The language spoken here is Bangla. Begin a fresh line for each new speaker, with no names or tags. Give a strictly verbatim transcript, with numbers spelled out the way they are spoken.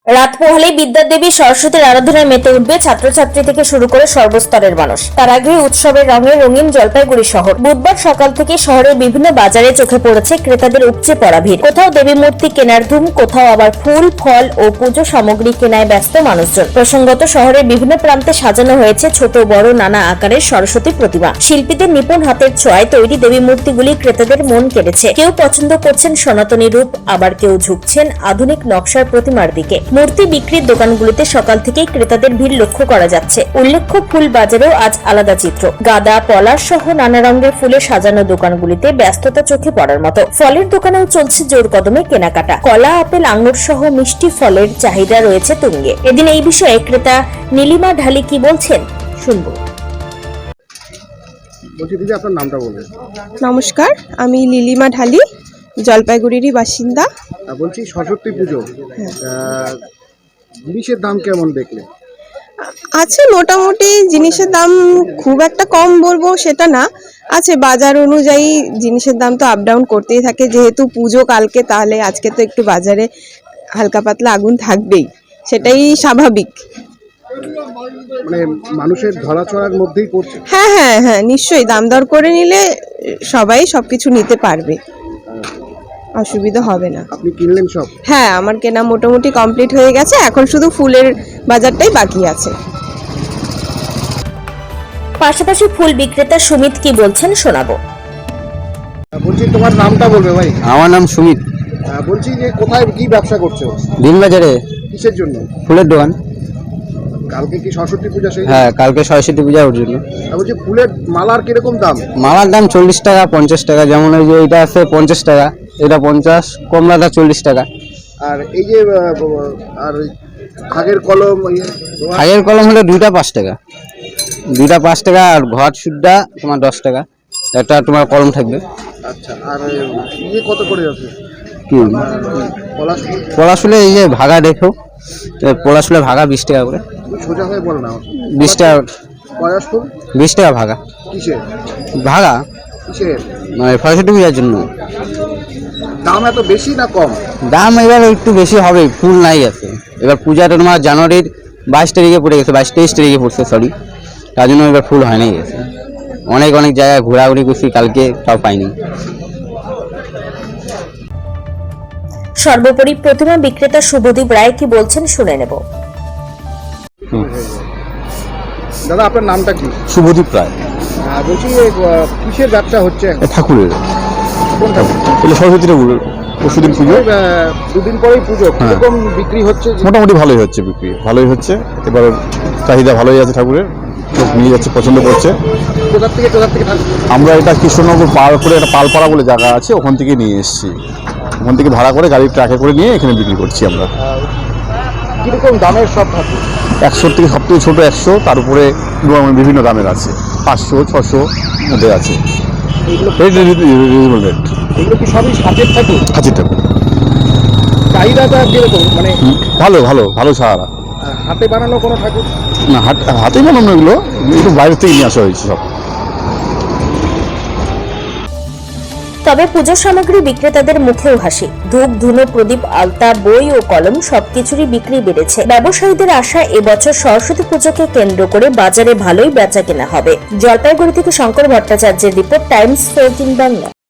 রাত পোহালেই বিদ্যাদেবী সরস্বতীর আরাধনায় মেতে উঠবে ছাত্রছাত্রী থেকে শুরু করে সর্বস্তরের মানুষ। তার আগে উৎসবের রঙে রঙিন জলপাইগুড়ি শহর। বুধবার সকাল থেকে শহরের বিভিন্ন বাজারে চোখে পড়েছে ক্রেতাদের উপচে পড়া ভিড়। কোথাও দেবী মূর্তি কেনার ধুম, কোথাও আবার ফুল, ফল ও পুজো সামগ্রী কেনায় ব্যস্ত মানুষজন। প্রসঙ্গত, শহরের বিভিন্ন প্রান্তে সাজানো হয়েছে ছোট বড় নানা আকারের সরস্বতী প্রতিমা। শিল্পীদের নিপুণ হাতের ছোঁয়ায় তৈরি দেবী মূর্তিগুলি ক্রেতাদের মন কেড়েছে। কেউ পছন্দ করছেন সনাতনী রূপ, আবার কেউ ঝুঁকছেন আধুনিক নকশার প্রতিমার দিকে। মূর্তি বিক্রির দোকানগুলিতে সকাল থেকেই ক্রেতাদের ভিড় লক্ষ্য করা যাচ্ছে। উল্লেখ্য, ফুল বাজারেও আজ আলাদা চিত্র। গাঁদা, পলাশ সহ নানা রঙের ফুলে সাজানো দোকানগুলিতে ব্যস্ততা চোখে পড়ার মতো। ফলের দোকানেও চলছে জোর কদমে কেনাকাটা। কলা, আপেল, আঙ্গুর সহ মিষ্টি ফলের চাহিদা রয়েছে তুঙ্গে। এদিন এই বিষয়ে ক্রেতা নীলিমা ঢালি কি বলছেন শুনবো।
বলছি দিদি, আপনার নামটা বলবেন?
নমস্কার, আমি লীলিমা ঢালি, জলপাইগুড়িরই বাসিন্দা।
বলছি সরস্বতী পুজো, জিনিসের দাম কেমন দেখলে?
আছে মোটামুটি, জিনিসের দাম খুব একটা কম বলবো সেটা না, আছে বাজার অনুযায়ী জিনিসের দাম তো আপ ডাউন করতেই থাকে। যেহেতু পুজো কালকে, তাহলে আজকে তো একটু বাজারে হালকা পাতলা আগুন থাকবেই, সেটাই স্বাভাবিক।
মানে মানুষের ধরাছোঁয়ার মধ্যেই পড়ছে।
হ্যাঁ হ্যাঁ হ্যাঁ নিশ্চয়ই, দাম দর করে নিলে সবাই সবকিছু নিতে পারবে, অসুবিধা হবে না।
আপনি কিনলেন সব?
হ্যাঁ, আমার কেনা মোটামুটি কমপ্লিট হয়ে গেছে, এখন শুধু ফুলের বাজারটাই বাকি আছে।
পাশাপাশি ফুল বিক্রেতা সুমিত কি বলছেন শোনাবো।
বলছি তোমার নামটা বলবে ভাই?
আমার নাম সুমিত।
বলছি যে কোথায় কি ব্যবসা করছো?
দিনবাজারে।
কিসের জন্য?
ফুলের দোকান।
কালকে কি সরস্বতী পূজা? সেই
হ্যাঁ, কালকে সরস্বতী পূজা ওর জন্য।
বলছি ফুলের মালার কিরকম দাম?
মালার দাম চল্লিশ টাকা, পঞ্চাশ টাকা। যেমন এই যে এটা আছে পঞ্চাশ টাকা, এটা পঞ্চাশ, কমলাটা চল্লিশ টাকা।
আর এই যে আর খাগের কলম,
খাগের কলম হলো দুইটা পাঁচ টাকা, দুইটা পাঁচ টাকা। আর ঘর সুদ্ধা তোমার দশ টাকা, একটা তোমার কলম থাকবে।
আচ্ছা, আর ইয়ে কত করে আছে?
কি
পলাশ?
পলাশ ফুলে এই যে ভাগা দেখো, পলাশ ফুলে ভাগা বিশ টাকা করে।
সোজা হয়ে বল না।
বিশ টাকা।
পলাশ ফুল
বিশ টাকা ভাগা।
কিসের
ভাগা?
কিসের?
মানে সরস্বতী পূজার জন্য।
দাম এত বেশি না কম?
দাম এবার একটু বেশি হবে, ফুল নাই আছে। এবার পূজাটা তোমার জানুয়ারির বাইশ তারিখে পড়ে গেছে, বাইশ তেইশ তারিখে পড়ছে সরি, তার জন্য এবার ফুল হয় নাই গেছে। অনেক অনেক জায়গায় ঘোরাঘুরি করছি কালকে, তাও পাইনি।
সর্বোপরি প্রতিমা বিক্রেতা শুভদীপ রায় কি বলছেন শুনে নেব।
দাদা, আপনার নামটা কি?
শুভদীপ রায়।
বলছি কিসের ব্যবসা হচ্ছে?
ঠাকুরের।
কোন ঠাকুর?
সরস্বতী ঠাকুরের। পরশুদিন পুজো,
দুদিন পরেই পুজো। কিরকম বিক্রি হচ্ছে?
মোটামুটি ভালোই হচ্ছে, বিক্রি ভালোই হচ্ছে। এবার চাহিদা ভালোই আছে ঠাকুরের, লোক নিয়ে যাচ্ছে, পছন্দ করছে।
কোথার থেকে কোথার থেকে?
আমরা এটা কৃষ্ণনগর পার করে একটা পালপাড়া বলে জায়গা আছে, ওখান থেকে নিয়ে এসেছি। ওখান থেকে ভাড়া করে গাড়ির ট্রাকে করে নিয়ে এখানে বিক্রি করছি আমরা।
কিরকম দামের সব ঠাকুর?
একশো থেকে সব থেকে ছোটো একশো, তার উপরে বিভিন্ন দামের আছে, পাঁচশো ছশো মধ্যে আছে। Reasonable rate.
এগুলো কি সবই সাজের ঠাকুর?
খাঁচির ঠাকুর।
চাহিদাটা কিরকম? মানে
ভালো ভালো ভালো ছাড়া।
হাতে বানানো কোনো ঠাকুর
না? হাতেই বানানো, এগুলো একটু বাইরে থেকে নিয়ে আসা হয়েছে সব।
তবে পুজো সামগ্রী বিক্রেতাদের মুখেও হাসি। ধূপ, ধুনো, প্রদীপ, আলতা, বই ও কলম সবকিছুরই বিক্রি বেড়েছে। ব্যবসায়ীদের আশা, এবছর সরস্বতী পুজোকে কেন্দ্র করে বাজারে ভালোই বেচা কেনা হবে। জলপাইগুড়ি থেকে শঙ্কর ভট্টাচার্যের রিপোর্ট, টাইমস ফোরটিন বাংলা।